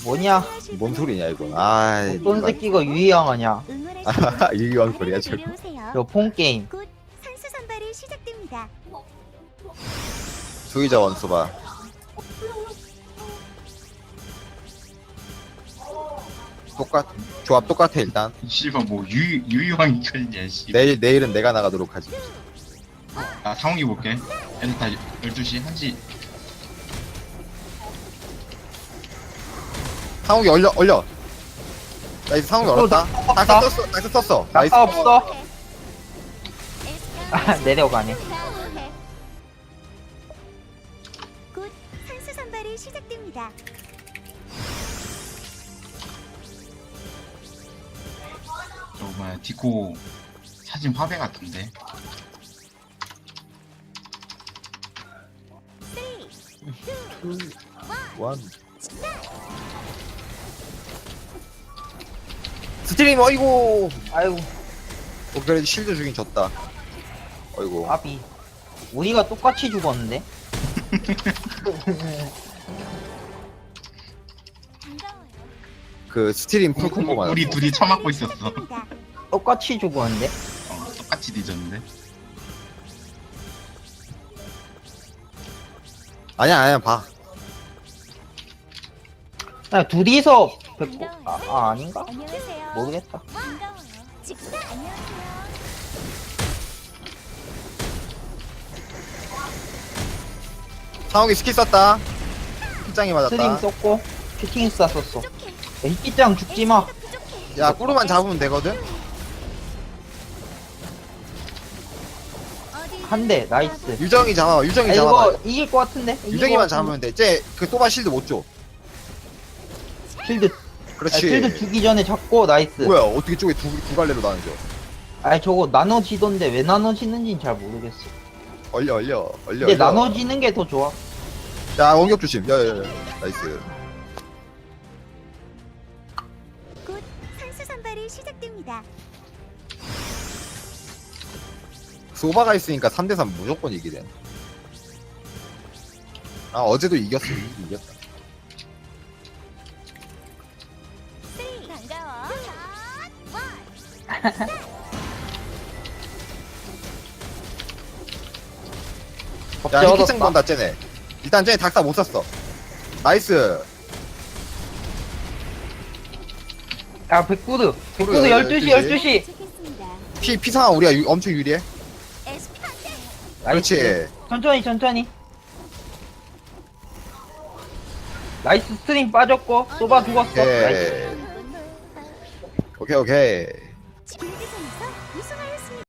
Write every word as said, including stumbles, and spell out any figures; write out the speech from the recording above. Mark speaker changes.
Speaker 1: 뭐냐?
Speaker 2: 뭔 소리냐 이건. 아이
Speaker 1: 어떤 새끼가 유희왕하냐?
Speaker 2: 유희왕 소리야 저거.
Speaker 1: 저 폰게임.
Speaker 3: 곧 선수 선발이 시작됩니다.
Speaker 2: 수의자 원수봐. 똑같 조합 똑같아 일단.
Speaker 4: 씨발 뭐 유, 유유왕이 켜있냐 씨.
Speaker 2: 내일 내일은 내가 나가도록 하지.
Speaker 4: 나 상욱이 볼게. 애들 다 열두 시 한 시.
Speaker 2: 상욱이 얼려 얼려. 나이스 상욱이
Speaker 1: 어,
Speaker 2: 얼었다.
Speaker 1: 나-
Speaker 2: 나이스
Speaker 1: 나-
Speaker 2: 떴어 나이스 떴어. 나이스.
Speaker 1: 낙사 없어? 아, 내려가네.
Speaker 3: 곧 선수 선발이 시작됩니다.
Speaker 4: 저거 뭐야 디코 사진 화배 같은데.
Speaker 2: 원. 스트림 어이구.
Speaker 1: 아이고,
Speaker 2: 어, 그래도 실드 주긴 졌다. 어이구.
Speaker 1: 아비. 우리가 똑같이 죽었는데?
Speaker 2: 그 스트림 풀 콤보 맞았어.
Speaker 4: 우리 둘이 처맞고 있었어.
Speaker 1: 똑같이 죽었는데?
Speaker 4: 어, 똑같이 뒤졌는데.
Speaker 2: 아니야 아니야 봐.
Speaker 1: 야, 둘이서 뵙고, 아, 아 아닌가?
Speaker 3: 안녕하세요.
Speaker 1: 모르겠다.
Speaker 3: 반가워요. 직사 안녕하세요.
Speaker 2: 상욱이 스킬 썼다. hit장이
Speaker 1: 스림
Speaker 2: 맞았다.
Speaker 1: 썼고, 슈팅 쐈었어.
Speaker 3: 부족해.
Speaker 1: 야, 히키짱 죽지 마.
Speaker 3: 부족해.
Speaker 2: 야 꾸루만 잡으면 되거든.
Speaker 3: 어디
Speaker 1: 한 대, 나이스.
Speaker 2: 유정이 잡아. 유정이
Speaker 1: 아,
Speaker 2: 잡아.
Speaker 1: 이거 이길 것 같은데? 이길
Speaker 2: 유정이만
Speaker 1: 것 같은데?
Speaker 2: 잡으면 돼. 쟤그 또바 실드 못 줘.
Speaker 1: 필드, 아,
Speaker 2: 그렇지.
Speaker 1: 필드 주기 전에 잡고, 나이스.
Speaker 2: 뭐야 어떻게 쪽에 두, 두 갈래로 나눠져.
Speaker 1: 아니, 저거 나눠지던데 왜 나눠지는지는 잘 모르겠어.
Speaker 2: 얼려 얼려 얼려.
Speaker 1: 근데
Speaker 2: 얼려.
Speaker 1: 나눠지는 게 더 좋아.
Speaker 2: 야 원격 조심. 야야야. 나이스.
Speaker 3: 곧 선수 선발이 시작됩니다.
Speaker 2: 소바가 있으니까 삼 대 삼 무조건 이기네. 아 어제도 이겼어. 이기긴 이겼다.
Speaker 3: 쓰리. 반가워.
Speaker 1: 법제
Speaker 2: 야 히키층
Speaker 1: 얻었다.
Speaker 2: 본다 쟤네. 일단 쟤네 닥사 못 샀어. 나이스.
Speaker 1: 야, 백구드. 백구드
Speaker 2: 그래,
Speaker 1: 열두 시, 열두 시.
Speaker 3: 도착했습니다.
Speaker 2: 피 피상아 우리가 유, 엄청 유리해.
Speaker 3: 에스피 판대.
Speaker 1: 나이스.
Speaker 2: 그렇지.
Speaker 1: 천천히, 천천히. 나이스 스트링 빠졌고, 소바 죽었어. 나이스.
Speaker 2: 오케이 오케이 오케이.